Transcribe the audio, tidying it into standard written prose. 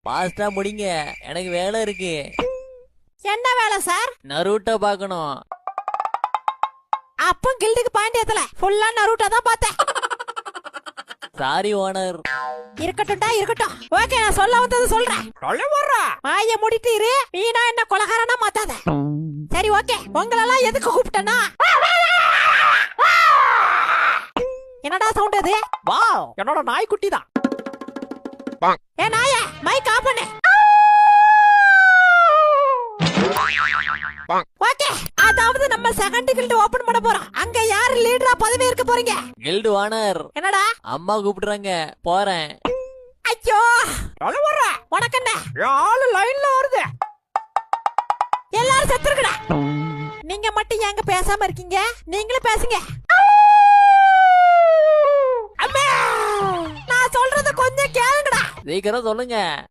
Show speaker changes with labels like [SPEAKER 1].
[SPEAKER 1] பாஸ்டா முடிங்க, எனக்கு வேலை இருக்கு.
[SPEAKER 2] என்ன வேலை சார்?
[SPEAKER 1] நருட்டோ பாக்கணும்.
[SPEAKER 2] அப்ப கில்டுக்கு பாயிண்ட் ஏத்தல, ஃபுல்லா நருட்டோ தான் பார்த்தேன்.
[SPEAKER 1] Sorry owner.
[SPEAKER 2] இருக்கட்டும்டா இருக்கட்டும். ஓகே, நான் சொல்ல வந்தது சொல்றேன். சொல்ல வர்றா வாய மூடிட்டு இரு. வீணா என்ன கொலகாரனா மாத்தாத. சரி ஓகே, உங்களெல்லாம் எதுக்கு கூப்பிட்டேன்னா, என்னடா சவுண்ட் அது? வாவ், என்னோட நாய்க்குட்டி தான். ஏ நாயே, மைக் ஆஃப் பண்ணு. ஓகே, அதாவது நம்ம செகண்ட் கில்ட் ஓபன் பண்ண போறோம். அங்க யார் லீடரா பதவி இருக்க போறீங்க?
[SPEAKER 1] Guild owner.
[SPEAKER 2] என்னடா?
[SPEAKER 1] அம்மா கூப்பிடுறாங்க, போறேன்.
[SPEAKER 2] ஐயோ, வர உனக்கு என்ன? ஆளு லைன்ல வருது. எல்லாரும் செத்துருக்கடா. நீங்க மட்டும் ஏங்க பேசாம இருக்கீங்க? நீங்களும் பேசுங்க. அம்மா, நான் சொல்றத கொஞ்சம் கேளுங்கடா.
[SPEAKER 1] சீக்கிரம் சொல்லுங்க.